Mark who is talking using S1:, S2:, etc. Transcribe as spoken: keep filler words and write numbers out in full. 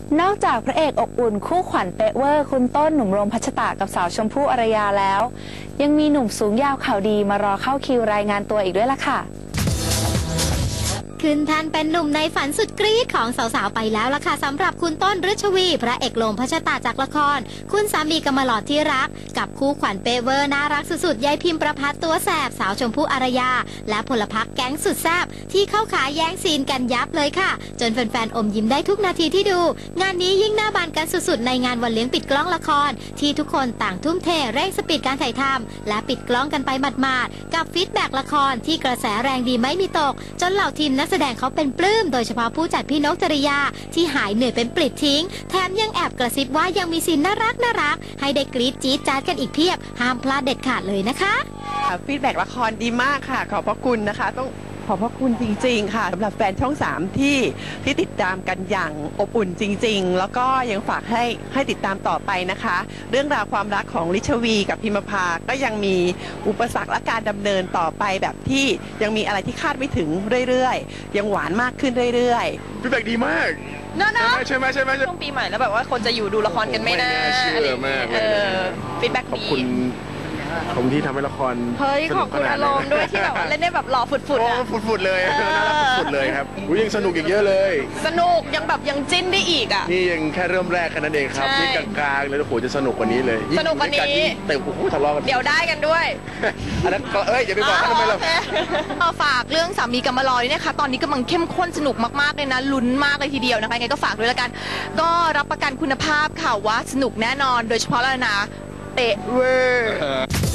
S1: นอกจากพระเอกอบอุ่นคู่ขวัญเป๊ะเวอร์คุณต้นหนุ่มโรมพัชตะกับสาวชมพู่อารยาแล้วยังมีหนุ่มสูงยาวข่าวดีมารอเข้าคิวรายงานตัวอีกด้วยล่ะค่ะ
S2: ขึ้นแท่นเป็นหนุ่มในฝันสุดกรี๊ดของสาวๆไปแล้วล่ะค่ะสำหรับคุณต้นฤชวีพระเอกโลมพัชตาจากละครคุณสามีกำมะหลอดที่รักกับคู่ขวัญเปเวอร์น่ารักสุดๆยายพิมพ์ประพัฒตัวแสบสาวชมพู่อารยาและพลพรรคแก๊งสุดแซบที่เข้าขาแย่งซีนกันยับเลยค่ะจนแฟนๆอมยิ้มได้ทุกนาทีที่ดูงานนี้ยิ่งหน้าบานกันสุดๆในงานวันเลี้ยงปิดกล้องละครที่ทุกคนต่างทุ่มเทเร่งสปีดการถ่ายทำและปิดกล้องกันไปหมาดๆกับฟีดแบ็กละครที่กระแสแรงดีไม่มีตกจนเหล่าทีมนักแสดงเขาเป็นปลื้มโดยเฉพาะผู้จัดพี่นกจริยาที่หายเหนื่อยเป็นปลิดทิ้งแถมยังแอบกระซิบว่ายังมีซีนน่ารักน่ารักให้ได้กรี๊ดจี๊ดจ๊าดกันอีกเพียบห้ามพลาดเด็ดขาดเลยนะคะ
S3: ฟีดแบ็กละครดีมากค่ะขอบพระคุณนะคะต้องขอบพระคุณจริงๆค่ะสำหรับแฟนช่องสามที่ที่ติดตามกันอย่างอบอุ่นจริงๆแล้วก็ยังฝากให้ให้ติดตามต่อไปนะคะเรื่องราวความรักของลิชวีกับพิมพาก็ยังมีอุปสรรคและการดำเนินต่อไปแบบที่ยังมีอะไรที่คาดไม่ถึงเรื่อยๆยังหวานมากขึ้นเรื่อย
S4: ๆฟีดแบ็กดีมาก
S5: เนาะเนาะ
S4: ใช่ไหมใช่ไหม
S5: ช่วงปีใหม่แล้วแบบว่าคนจะอยู่ดูละครกันไม่น่า
S4: เชื่อมากเลย
S5: ฟีดแบ็กดี
S4: ขอบคุณผมที่ทำให้ละคร
S5: เฮ้ยขอบคุณอารมณ์ด้วยที่แบบเล่นได้แบบหล่อฝุดๆอ่ะ
S4: ฝุดๆเลยน่ารักฝุดๆเลยครับยังสนุกอีกเยอะเลย
S5: สนุกยังแบบยังจิ้นได้อีกอ่ะ
S4: นี่ยังแค่เริ่มแรกแค่นั้นเองครับนี่กลางๆเลยโอ้โหจะสนุกกว่านี้เลย
S5: สนุกกว่านี้
S4: เต็มโอ้โหทะเลาะกัน
S5: เดี๋ยวได้กันด้วย
S4: อันนั้นเอ้ยอย่าไปบอกเขาทำไมเรา
S5: ฝากเรื่องสามีกำมะลอยเนี่ยค่ะตอนนี้กำลังเข้มข้นสนุกมากๆเลยนะลุ้นมากเลยทีเดียวนะคะไงก็ฝากด้วยละกันก็รับประกันคุณภาพค่ะว่าสนุกแน่นอนโดยเฉพาะแล้วนะเตะเวอร์